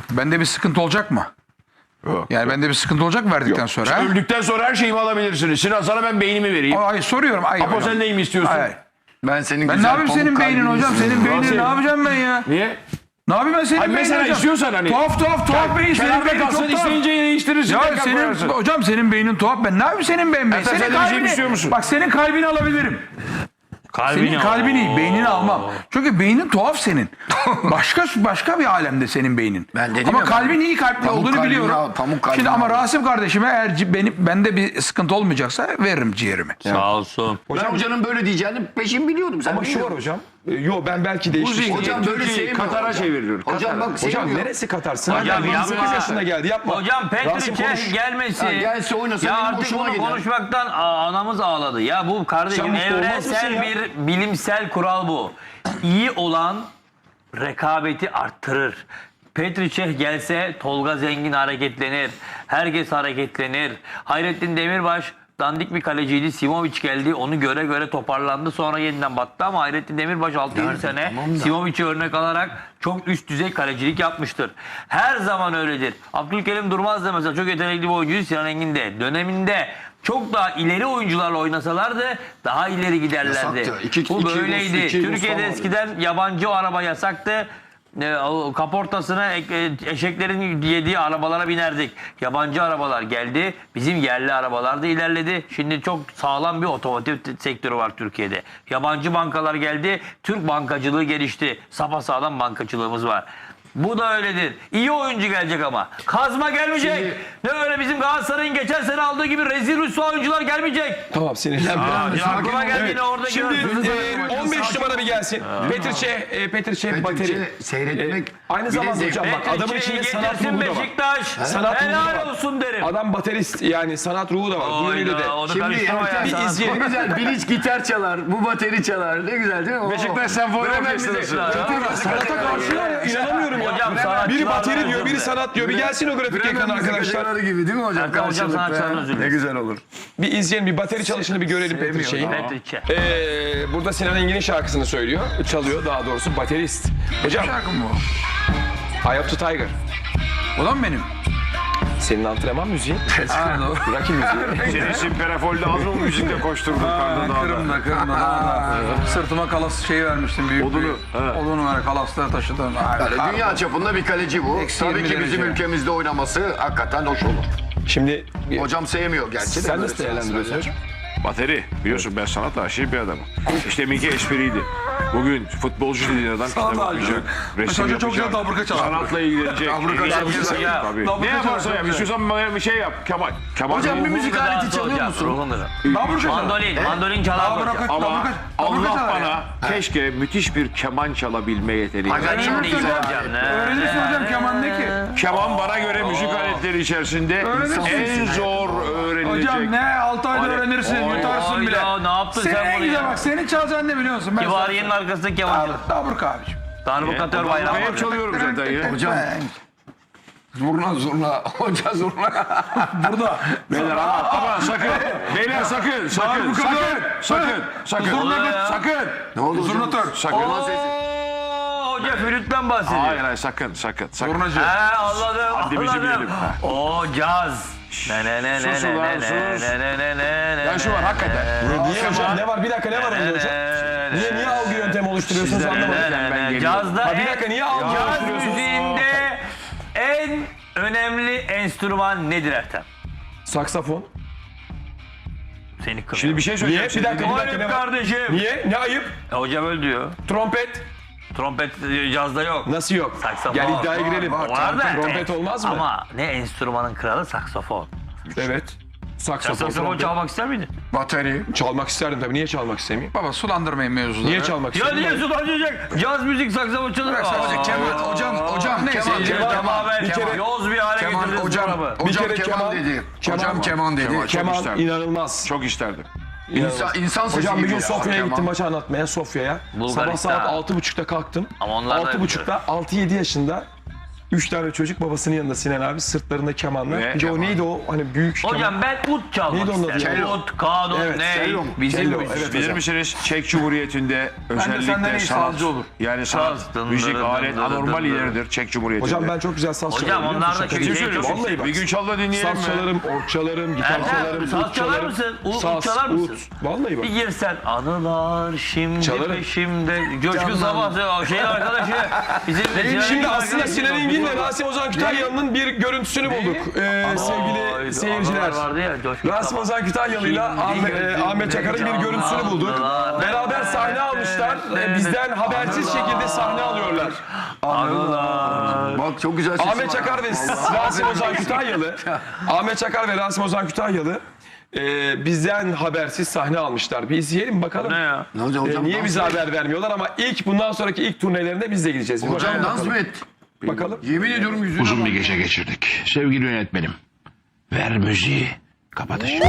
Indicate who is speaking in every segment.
Speaker 1: Bende bir sıkıntı olacak mı?
Speaker 2: Yok.
Speaker 1: Yani bende bir sıkıntı olacak mı verdikten sonra? ha?
Speaker 2: Öldükten sonra her şeyimi alabilirsiniz. Sinan sana ben beynimi vereyim.
Speaker 1: Hayır soruyorum. Hayır,
Speaker 2: Apo
Speaker 1: hocam.
Speaker 2: sen neyimi istiyorsun?
Speaker 1: Hayır.
Speaker 3: Ben senin
Speaker 1: Ben
Speaker 3: güzel
Speaker 1: ne yapayım
Speaker 3: pamuk
Speaker 1: senin beynin
Speaker 3: kalbini
Speaker 1: hocam? Senin
Speaker 3: istiyorum.
Speaker 1: beynini ne yapacağım ben ya?
Speaker 2: Niye?
Speaker 1: Ne yapayım ben senin
Speaker 2: Hayır,
Speaker 1: beynini
Speaker 2: mesela
Speaker 1: hocam?
Speaker 2: istiyorsan hani.
Speaker 1: Tuhaf beyin. Senin
Speaker 2: Kenarda
Speaker 1: beynin
Speaker 2: kalsın
Speaker 1: çok tuhaf.
Speaker 2: isteyince değiştirirsin.
Speaker 1: Ya
Speaker 2: tekrar
Speaker 1: senin
Speaker 2: koyarsın.
Speaker 1: hocam senin beynin tuhaf. Ben ne yapayım senin beynin?
Speaker 2: Ertem,
Speaker 1: Senin
Speaker 2: sen de bir şey istiyor musun?
Speaker 1: Bak senin kalbini alabilirim. Senin kalbini, beynini almam. Çünkü beynin tuhaf senin. Başka bir alemde senin beynin.
Speaker 3: Ben dedim
Speaker 1: ama
Speaker 3: ya,
Speaker 1: kalbin iyi kalpli
Speaker 3: pamuk
Speaker 1: olduğunu
Speaker 3: kalbini
Speaker 1: biliyorum.
Speaker 3: al, pamuk kalbini
Speaker 1: Şimdi ama
Speaker 3: al.
Speaker 1: Rasim kardeşime eğer bende bir sıkıntı olmayacaksa veririm ciğerimi.
Speaker 4: Sağ olsun.
Speaker 3: Ben hocanın böyle diyeceğini peşin biliyordum. Sen
Speaker 5: Ama şu var hocam. Yo ben belki değiştirdim.
Speaker 3: Hocam böyle
Speaker 2: Türkiye'yi
Speaker 3: sevmiyor
Speaker 2: Katar'a
Speaker 3: hocam.
Speaker 2: çeviriyor.
Speaker 3: Hocam bak
Speaker 5: Hocam
Speaker 3: sevmiyor.
Speaker 5: neresi Katarsın?
Speaker 4: Hocam
Speaker 5: Hocam
Speaker 4: yapma.
Speaker 5: 28 yaşında geldi yapma.
Speaker 4: Hocam
Speaker 5: Rasim konuş.
Speaker 4: Petriç'e gelmesi.
Speaker 3: Ha, gelse oynasa
Speaker 4: ya
Speaker 3: benim
Speaker 4: artık
Speaker 3: hoşuma
Speaker 4: bunu
Speaker 3: gider.
Speaker 4: konuşmaktan anamız ağladı. Ya bu kardeşim
Speaker 5: Sen mutlu olmaz mısın
Speaker 4: evrensel
Speaker 5: ya?
Speaker 4: bir bilimsel kural bu. İyi olan rekabeti arttırır. Petriç'e gelse Tolga Zengin hareketlenir. Herkes hareketlenir. Hayrettin Demirbaş dandik bir kaleciydi. Simovic geldi. Onu göre göre toparlandı. Sonra yeniden battı ama Hayrettin Demirbaş 6-7 sene Simovic'i örnek alarak çok üst düzey kalecilik yapmıştır. Her zaman öyledir. Abdülkerim Durmaz da mesela çok yetenekli bir oyuncuydu. Sinan Engin de döneminde çok daha ileri oyuncularla oynasalardı daha ileri giderlerdi.
Speaker 3: Yasaktı.
Speaker 4: Bu böyleydi.
Speaker 3: iki
Speaker 4: Türkiye'de
Speaker 3: Mustafa
Speaker 4: eskiden yabancı araba yasaktı. Kaportasına eşeklerin yediği arabalara binerdik. Yabancı arabalar geldi. Bizim yerli arabalar da ilerledi. Şimdi çok sağlam bir otomotiv sektörü var Türkiye'de. Yabancı bankalar geldi. Türk bankacılığı gelişti. Sapasağlam bankacılığımız var. Bu da öyledir. İyi oyuncu gelecek ama. Kazma gelmeyecek. Ne öyle bizim Galatasaray'ın geçen sene aldığı gibi rezil rüsva oyuncular gelmeyecek.
Speaker 5: Tamam sinirlenme.
Speaker 4: Aklıma geldiğinde orada
Speaker 5: Şimdi
Speaker 4: gördüm.
Speaker 5: 15 numara bir gelsin. Petriç'e bateri.
Speaker 3: Seyretmek
Speaker 5: Aynı zamanda hocam bak adamın içinde sanat
Speaker 4: getirsin
Speaker 5: ruhu da var.
Speaker 4: Beşiktaş.
Speaker 5: Sanat ruhu da var.
Speaker 4: Helal olsun derim.
Speaker 5: Adam baterist yani sanat ruhu da var. Bu yönüyle de.
Speaker 4: Onu
Speaker 3: Şimdi
Speaker 4: karıştırma ya.
Speaker 5: bir
Speaker 4: Sanat-
Speaker 5: izleyelim.
Speaker 3: ne güzel Bilic gitar çalar, bu bateri çalar. Ne güzel değil mi?
Speaker 2: Beşiktaş Senfoni Orkestrası.
Speaker 5: Sanata karşılar ya inanamıyorum ya.
Speaker 4: Hocam sanatçılar
Speaker 5: Biri bateri
Speaker 4: da
Speaker 5: diyor, biri
Speaker 4: özür
Speaker 5: sanat diyor. Bir gelsin o grafik ekran arkadaşlar.
Speaker 3: gibi değil mi hocam?
Speaker 4: Erkan hocam sanatçılardan özür
Speaker 3: Ne
Speaker 4: dilerim.
Speaker 3: güzel olur.
Speaker 5: Bir izleyelim, bir bateri çalışını bir görelim Petriçe'yi.
Speaker 4: Petriç'e.
Speaker 5: Burada Sinan Engin'in şarkısını söylüyor. Çalıyor daha doğrusu baterist. Hocam,
Speaker 1: Şarkım bu.
Speaker 5: Eye of the Tiger.
Speaker 1: O da mı benim?
Speaker 5: Senin antrenman müziği.
Speaker 1: Ha, doğru.
Speaker 5: Rakip müziği.
Speaker 2: Seni Simperafol'de az mı müzikle koşturdun karnı dağda?
Speaker 1: Kırım'da. Sırtıma kalas şeyi vermiştim büyük.
Speaker 2: Odunu, he.
Speaker 1: Odunu var, kalasları taşıdım.
Speaker 3: Yani dünya çapında bir kaleci bu.
Speaker 1: Eksi
Speaker 3: Tabii
Speaker 1: 20
Speaker 3: ki bizim
Speaker 1: derece.
Speaker 3: ülkemizde oynaması hakikaten hoş olur.
Speaker 5: Şimdi
Speaker 3: Hocam sevmiyor gerçi de.
Speaker 5: sen
Speaker 3: böyle
Speaker 5: nasıl değerlendiriyorsun hocam?
Speaker 2: Bateri. Biliyorsun ben sanatla aşık bir adamım. İşte deminki espriydi. Bugün futbolcu dediğin adam kitap
Speaker 1: Sanatla
Speaker 2: okuyacak.
Speaker 1: aşık.
Speaker 2: Resim
Speaker 1: Mesela çok güzel
Speaker 2: yapacak.
Speaker 1: dabruka çalar.
Speaker 2: Sanatla ilgilenecek.
Speaker 3: Dabruka çalar.
Speaker 4: Ya.
Speaker 2: Tabii.
Speaker 1: Dabruka
Speaker 2: Ne yaparsa
Speaker 1: çalar,
Speaker 2: yap.
Speaker 1: çok
Speaker 2: İstiyorsan bana bir şey yap. Kemal. Kemal.
Speaker 3: Hocam bir müzik aleti çalıyor musun?
Speaker 1: Dabruka çalar.
Speaker 4: Mandolin çalar hocam.
Speaker 2: Ama Allah
Speaker 1: çalar
Speaker 2: bana
Speaker 1: ya.
Speaker 2: keşke müthiş bir keman çalabilme yeteneği versin.
Speaker 3: Acayip
Speaker 4: Benim de
Speaker 3: güzel.
Speaker 4: hocam.
Speaker 1: Öğrenirsin hocam keman ne ki?
Speaker 2: Keman bana göre müzik aletleri içerisinde en zor öğrenilecek.
Speaker 1: Hocam ne 6 ayda öğrenirsin, yutarsın bile.
Speaker 4: Ya ne yaptın
Speaker 1: Senin
Speaker 4: sen
Speaker 1: en
Speaker 4: bunu
Speaker 1: güzel
Speaker 4: ya?
Speaker 1: bak, senin çalacağın ne biliyor musun? Ben
Speaker 4: Kibariye'nin arkasındaki kemançı.
Speaker 1: Dabruka abicim.
Speaker 4: Darbukatör bayrağı
Speaker 2: Ben
Speaker 4: var.
Speaker 2: hep çalıyorum zaten ya.
Speaker 3: Hocam zurna. Hoca zurna.
Speaker 1: Burada.
Speaker 2: Beyler ama sakın. Beyler sakın. Sakın.
Speaker 3: Ne oldu hocam?
Speaker 1: Zurnatör.
Speaker 2: Sakın.
Speaker 4: Hoca flütten bahsediyor.
Speaker 2: Hayır sakın.
Speaker 1: Zurnacı.
Speaker 4: He anladım.
Speaker 2: Haddimizi bilelim.
Speaker 4: O caz. Ne ne ne ne
Speaker 2: Sus
Speaker 4: ne
Speaker 2: ulan,
Speaker 4: ne
Speaker 2: sus.
Speaker 4: ne ne ne ne
Speaker 2: Ya şu var hakikaten.
Speaker 5: Niye hocam? Ne var? Bir dakika ne var onda hocam? Niye algı yöntemi oluşturuyorsunuz anlamadım.
Speaker 4: Cazda
Speaker 5: Bir dakika niye algı
Speaker 4: caz
Speaker 5: oluşturuyorsunuz?
Speaker 4: müziğinde en önemli enstrüman nedir Ertem?
Speaker 5: Saksafon.
Speaker 4: Seni kırıyor.
Speaker 2: Şimdi bir şey söyleyeceğim.
Speaker 5: Niye? Bir dakika ne
Speaker 4: Ayıp
Speaker 5: var?
Speaker 4: kardeşim.
Speaker 5: Niye? Ne ayıp?
Speaker 4: Hocam öyle diyor.
Speaker 5: Trompet.
Speaker 4: Trompet cazda yok.
Speaker 5: Nasıl yok?
Speaker 4: Saksafon.
Speaker 5: Gel iddiaya girelim.
Speaker 4: Var da.
Speaker 5: Trompet olmaz mı?
Speaker 4: Ama ne enstrümanın kralı saksafon.
Speaker 5: Evet.
Speaker 4: Sen
Speaker 5: Saksafon.
Speaker 4: saksafon
Speaker 5: trompet.
Speaker 4: çalmak ister miydin?
Speaker 3: Bateri.
Speaker 5: Çalmak isterdim tabii. Niye çalmak istemeyeyim?
Speaker 1: Baba sulandırmayın mevzuları.
Speaker 5: Niye çalmak
Speaker 4: Ya
Speaker 5: isterim?
Speaker 4: niye sulanacak? Caz müzik saksafon çalır.
Speaker 1: Bırak sadece keman. Hocam neyse.
Speaker 4: Yoz bir hale
Speaker 3: Keman
Speaker 4: getirdiniz
Speaker 3: hocam.
Speaker 4: programı.
Speaker 3: Hocam
Speaker 5: kere
Speaker 3: keman
Speaker 5: keman-
Speaker 3: dedi.
Speaker 5: keman
Speaker 3: Hocam
Speaker 5: var.
Speaker 3: keman dedi.
Speaker 2: Keman.
Speaker 5: Keman
Speaker 2: isterdim.
Speaker 5: inanılmaz.
Speaker 2: Çok isterdim.
Speaker 3: İnsan sesi
Speaker 5: Hocam bir
Speaker 3: gibi
Speaker 5: gün
Speaker 3: ya,
Speaker 5: Sofya'ya
Speaker 3: keman.
Speaker 5: gittim maçı anlatmaya Sofya'ya. Sabah
Speaker 4: Bulgaristan.
Speaker 5: saat 6.30'da kalktım.
Speaker 4: Ama onlar da
Speaker 5: 6.30'da 6-7 yaşında 3 tane çocuk babasının yanında Sinan abi sırtlarında kemanla.
Speaker 2: Ve
Speaker 5: Bir de o
Speaker 2: keman.
Speaker 5: neydi o hani büyük keman.
Speaker 4: Hocam ben ut çalmak
Speaker 5: Neydi onun adı
Speaker 4: isterim.
Speaker 5: ya?
Speaker 4: Ut, kanun,
Speaker 5: Evet,
Speaker 4: ne?
Speaker 3: cello mu?
Speaker 4: Bizim
Speaker 5: Cello, evet
Speaker 2: Bilir
Speaker 5: hocam.
Speaker 2: misiniz Çek Cumhuriyeti'nde
Speaker 1: senden
Speaker 2: özellikle
Speaker 1: iyi
Speaker 2: sanat,
Speaker 1: sazcı olur.
Speaker 2: yani sanat,
Speaker 4: Saz,
Speaker 2: müzik,
Speaker 4: dın
Speaker 2: alet
Speaker 4: dın dın
Speaker 2: anormal
Speaker 4: dın.
Speaker 2: ileridir Çek Cumhuriyeti'nde.
Speaker 5: Hocam ben çok güzel saz
Speaker 4: Hocam
Speaker 5: çalarım. biliyor
Speaker 4: onlar
Speaker 5: musun?
Speaker 4: da
Speaker 5: Şaka
Speaker 4: kötü
Speaker 5: değil.
Speaker 4: şey çok-
Speaker 5: Vallahi bak.
Speaker 2: Bir gün çal da dinleyelim
Speaker 5: Saz
Speaker 2: mi?
Speaker 5: çalarım, org çalarım, gitar
Speaker 4: Ertem,
Speaker 5: çalarım,
Speaker 4: saz
Speaker 5: ut
Speaker 4: çalar
Speaker 5: çalarım.
Speaker 4: mısın? Ut
Speaker 5: Saz,
Speaker 4: çalar mısın?
Speaker 5: ut. Vallahi bak.
Speaker 4: Bir girsen anılar şimdi
Speaker 5: Çalarım.
Speaker 4: peşimde. Coşkun Sabah şeyin arkadaşı. Bizim
Speaker 5: Şimdi aslında Sinan Engin'le Rasim Ozan Kütahyalı'nın bir görüntüsünü bulduk. Sevgili seyirciler.
Speaker 4: Vardı ya, Coşkun
Speaker 5: Rasim
Speaker 4: Sabah.
Speaker 5: Ozan Kütahyalı'yla Ahmet Çakar'ın bir görüntüsünü bulduk. Beraber sahne almışlar. Bizden habersiz şekilde sahne alıyorlar.
Speaker 3: Bak çok güzel sesi
Speaker 5: Ahmet
Speaker 3: var.
Speaker 5: Çakar ve Rasim Ozan Kütahyalı. Ahmet Çakar ve Rasim Ozan Kütahyalı bizden habersiz sahne almışlar. Bir izleyelim bakalım.
Speaker 4: Ne ya?
Speaker 3: Ne olacak hocam?
Speaker 5: Niye
Speaker 3: dans
Speaker 5: bize
Speaker 3: mı?
Speaker 5: haber vermiyorlar ama bundan sonraki ilk turnelerinde biz de gideceğiz. Bir
Speaker 3: Hocam
Speaker 5: bakalım.
Speaker 3: dans mı et?
Speaker 5: Bakalım.
Speaker 3: Yemin ediyorum yüzüne
Speaker 6: Uzun
Speaker 3: bak.
Speaker 6: bir gece geçirdik. Sevgili yönetmenim. Ver müziği. Kapatış.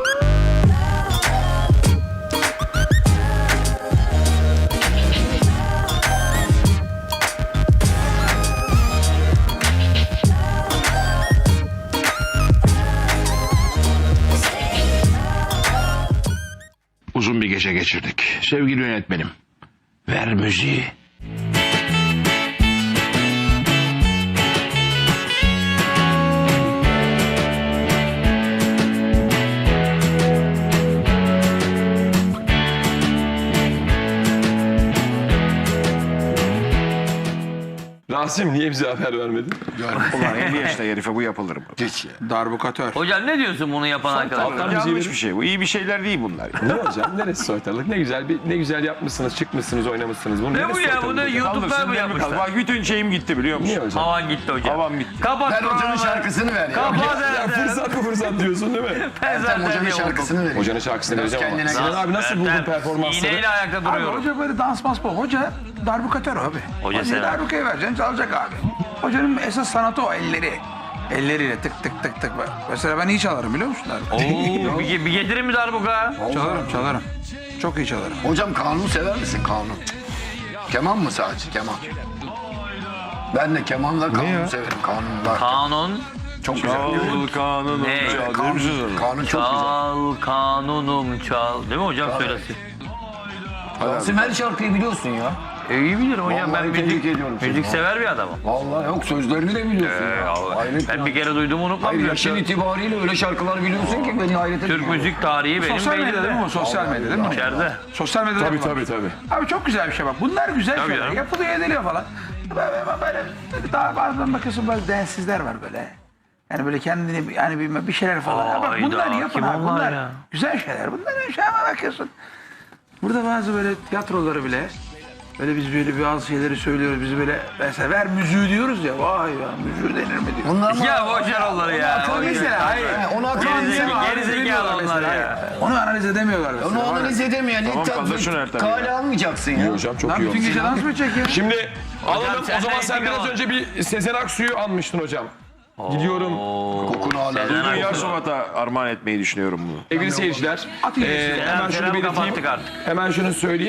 Speaker 6: Uzun bir gece geçirdik. Sevgili yönetmenim. Ver müziği.
Speaker 5: Rasim niye bize haber vermedin?
Speaker 2: Ulan 50 yaşında herife bu yapılır mı?
Speaker 3: Geç ya.
Speaker 1: Darbukatör.
Speaker 4: Hocam ne diyorsun bunu yapan arkadaşlar?
Speaker 2: Yanlış bir şey. Bu iyi bir şeyler değil bunlar.
Speaker 5: Ne hocam? Neresi soytarılık? Ne güzel yapmışsınız, çıkmışsınız, oynamışsınız. Bunu
Speaker 4: Ne
Speaker 5: neresi
Speaker 4: bu ya?
Speaker 5: soytarılık
Speaker 4: Bunu
Speaker 5: hocam?
Speaker 4: YouTube'da mı yapmışlar?
Speaker 2: Bak bütün şeyim gitti biliyor musun?
Speaker 5: Niye hocam?
Speaker 4: Havan gitti hocam.
Speaker 2: Havam gitti.
Speaker 4: Kapat
Speaker 3: Ver hocanın
Speaker 4: programı.
Speaker 3: şarkısını ver ya.
Speaker 4: Kapat
Speaker 5: Ya
Speaker 4: Ertem.
Speaker 5: fırsat bu fırsat diyorsun değil mi?
Speaker 4: Ben
Speaker 3: Ertem
Speaker 4: zaten
Speaker 3: hocanın
Speaker 4: yoruldum.
Speaker 3: şarkısını ver.
Speaker 5: Hocanın şarkısını
Speaker 3: Biraz
Speaker 5: vereceğim ama.
Speaker 3: kendine
Speaker 5: Sinan
Speaker 3: gel.
Speaker 5: abi nasıl buldun
Speaker 4: Ertem,
Speaker 5: performansları?
Speaker 4: İğneyle ayakta
Speaker 1: Abi
Speaker 4: duruyorum.
Speaker 1: hoca böyle dans bu. Hoca darbukatör abi.
Speaker 4: Hoca
Speaker 1: Hocaya
Speaker 4: sever.
Speaker 1: darbukayı vereceksin çalacak abi. Hocanın esas sanatı o elleri. Elleriyle tık tık tık tık. Mesela ben iyi çalarım biliyor musun darbukayı?
Speaker 4: Oo, bir getirin mi darbuka?
Speaker 1: Çalarım. Çok iyi çalarım.
Speaker 3: Hocam kanun sever misin kanun? Keman mı sadece keman? Ben de kemanla kanun severim. Kanunlar.
Speaker 4: Kanun.
Speaker 3: Çok güzel.
Speaker 2: Çal kanunu
Speaker 4: Ne?
Speaker 2: çal. Bilir misiniz onu?
Speaker 3: Kanun çok güzel.
Speaker 4: Çal kanunum çal. Değil mi hocam söylesin?
Speaker 3: Rasim her şarkıyı biliyorsun ya.
Speaker 4: İyi bilirim hocam.
Speaker 3: Vallahi
Speaker 4: Ben
Speaker 3: tebrik
Speaker 4: müzik,
Speaker 3: ediyorum seni.
Speaker 4: müzik sever bir adamım.
Speaker 3: Vallahi yok sözlerini de biliyorsun ya. Hayret
Speaker 4: Ben
Speaker 3: ya.
Speaker 4: bir kere duydum unutmam.
Speaker 3: Hayır
Speaker 4: ya.
Speaker 3: yaşın itibariyle öyle şarkılar biliyorsun ki beni hayret ediyor.
Speaker 4: Türk müzik tarihi benim
Speaker 1: Sosyal medyada değil mi
Speaker 4: beynimde.
Speaker 1: o? Sosyal medyada değil mi?
Speaker 4: İçeride.
Speaker 1: Sosyal medyada
Speaker 5: Tabii
Speaker 1: var.
Speaker 5: tabii.
Speaker 1: Abi çok güzel bir şey bak. Bunlar güzel
Speaker 4: Tabii
Speaker 1: şeyler.
Speaker 4: canım.
Speaker 1: Yapılıyor ediliyor falan. Böyle daha bazen bakıyorsun böyle densizler var böyle. Yani böyle kendini yani bir şeyler falan. Ya bak
Speaker 4: Hayda,
Speaker 1: bunlar yapın
Speaker 4: kim
Speaker 1: abi.
Speaker 4: onlar
Speaker 1: Bunlar
Speaker 4: ya?
Speaker 1: güzel şeyler. Bunlar şey ama bakıyorsun. Burada bazı böyle tiyatroları bile böyle biz böyle bazı şeyleri söylüyoruz. Biz böyle mesela ver müziği diyoruz ya. Vay ya müziği denir mi diyor.
Speaker 3: Bunlar mı?
Speaker 4: Ya boş ver onları ya.
Speaker 3: akıl mesela.
Speaker 1: Hayır.
Speaker 3: Onu akıl
Speaker 4: Gerizekalı onlar ya.
Speaker 1: Onu analiz edemiyorlar mesela.
Speaker 3: Onu analiz edemeyen
Speaker 2: Tamam, kaldır şunu Ertem ya.
Speaker 3: kale almayacaksın ya.
Speaker 5: Hocam çok
Speaker 1: Lan
Speaker 5: iyi
Speaker 1: bütün
Speaker 5: olmuş.
Speaker 1: gece dans mı çekiyor?
Speaker 5: Şimdi alalım
Speaker 4: sen
Speaker 5: o zaman
Speaker 4: de
Speaker 5: sen
Speaker 4: intikam
Speaker 5: biraz
Speaker 4: al.
Speaker 5: önce bir Sezen Aksu'yu anmıştın hocam. Gidiyorum
Speaker 3: Kokunu hala.
Speaker 2: Dünya Subat'a armağan etmeyi düşünüyorum bunu.
Speaker 5: sevgili seyirciler.
Speaker 1: At iğnesi bu.
Speaker 5: Hemen şunu
Speaker 4: Selam
Speaker 5: belirteyim.
Speaker 4: kapattık artık.
Speaker 5: Hemen şunu söyleyeyim.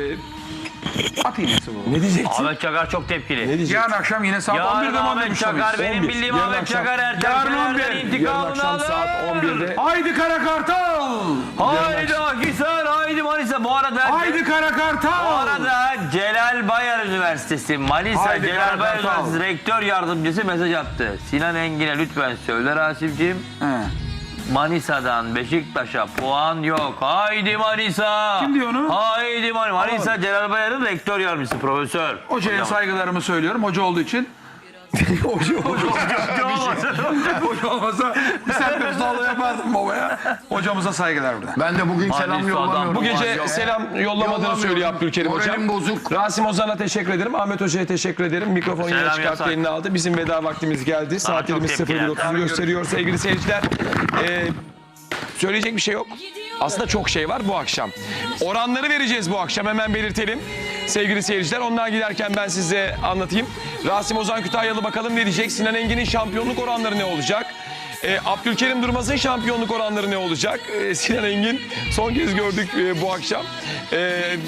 Speaker 1: At iğnesi bu.
Speaker 5: Ne diyeceksin?
Speaker 4: Ahmet Çakar çok tepkili.
Speaker 5: Ne diyeceksin?
Speaker 1: Yarın akşam yine saat
Speaker 4: Yarın
Speaker 1: 11'de mi
Speaker 4: Ahmet
Speaker 1: anlamışlar
Speaker 4: Çakar
Speaker 1: biz?
Speaker 4: benim
Speaker 5: 11.
Speaker 4: bildiğim
Speaker 5: Yarın
Speaker 4: Ahmet
Speaker 5: akşam.
Speaker 4: Çakar Ertem
Speaker 1: Yarın
Speaker 4: Şener'den
Speaker 1: 11.
Speaker 5: Yarın
Speaker 4: intikamını
Speaker 5: akşam
Speaker 4: alır.
Speaker 5: saat 11'de.
Speaker 1: Haydi Kara Kartal!
Speaker 4: Haydi Akhisar, haydi Manisa. Bu arada
Speaker 1: Haydi Kara
Speaker 4: bu
Speaker 1: Kartal!
Speaker 4: arada Celal Bayar Üniversitesi Manisa
Speaker 1: Haydi
Speaker 4: Celal Bayar
Speaker 1: Kartal.
Speaker 4: Üniversitesi rektör yardımcısı mesaj attı. Sinan Engin'e lütfen söyle Rasim'ciğim.
Speaker 1: He.
Speaker 4: Manisa'dan Beşiktaş'a puan yok. Haydi Manisa.
Speaker 1: Kim diyor onu?
Speaker 4: Haydi Manisa Celal Bayar'ın rektör yardımcısı profesör.
Speaker 1: Hocaya
Speaker 4: Hocam.
Speaker 1: saygılarımı söylüyorum. Hoca olduğu için. Hoca olmasa bir sert sağlığı yapardım babaya. Hocamıza saygılar burada.
Speaker 3: Ben de bugün
Speaker 4: Hadi
Speaker 3: selam
Speaker 4: şu adam.
Speaker 3: yollamıyorum.
Speaker 5: Bu gece
Speaker 3: Yok.
Speaker 5: selam yollamadığını
Speaker 3: Yollamıyorum.
Speaker 5: söylüyor Abdülkerim hocam.
Speaker 3: Moralim bozuk.
Speaker 5: Rasim Ozan'a teşekkür ederim. Ahmet Hoca'ya teşekkür ederim. Mikrofonu yine
Speaker 4: Selam
Speaker 5: çıkarttı,
Speaker 4: yasak.
Speaker 5: eline aldı. Bizim veda vaktimiz geldi. Saatlerimiz
Speaker 4: çok tepkiler.
Speaker 5: 01.30'u gösteriyor sevgili seyirciler. Söyleyecek bir şey yok. Aslında çok şey var bu akşam. Oranları vereceğiz bu akşam, hemen belirtelim. Sevgili seyirciler, ondan giderken ben size anlatayım. Rasim Ozan Kütahyalı bakalım ne diyecek? Sinan Engin'in şampiyonluk oranları ne olacak? Abdülkerim Durmaz'ın şampiyonluk oranları ne olacak? Sinan Engin son kez gördük bu akşam.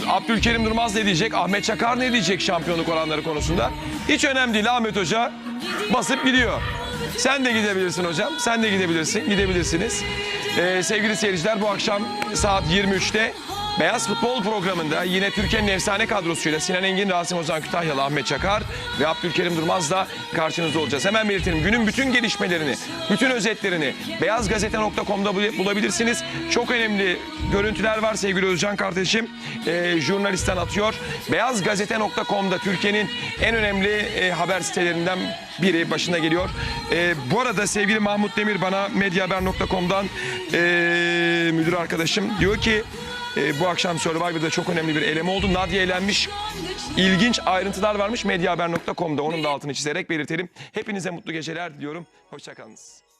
Speaker 5: Abdülkerim Durmaz ne diyecek? Ahmet Çakar ne diyecek şampiyonluk oranları konusunda? Hiç önemli değil Ahmet Hoca. basıp gidiyor. Sen de gidebilirsin hocam. Sen de gidebilirsin. Gidebilirsiniz. Sevgili seyirciler, bu akşam saat 23'te Beyaz Futbol programında yine Türkiye'nin efsane kadrosuyla Sinan Engin, Rasim Ozan Kütahyalı, Ahmet Çakar ve Abdülkerim Durmaz'la karşınızda olacağız. Hemen belirtelim. Günün bütün gelişmelerini, bütün özetlerini beyazgazete.com'da bulabilirsiniz. Çok önemli görüntüler var sevgili Özcan kardeşim. Jurnalistten atıyor. Beyazgazete.com'da Türkiye'nin en önemli haber sitelerinden biri başına geliyor. Bu arada sevgili Mahmut Demir bana medyahaber.com'dan müdür arkadaşım diyor ki bu akşam Survivor'da çok önemli bir eleme oldu. Nadia elenmiş. İlginç ayrıntılar varmış medyahaber.com'da. Onun da altını çizerek belirtelim. Hepinize mutlu geceler diliyorum. Hoşçakalınız.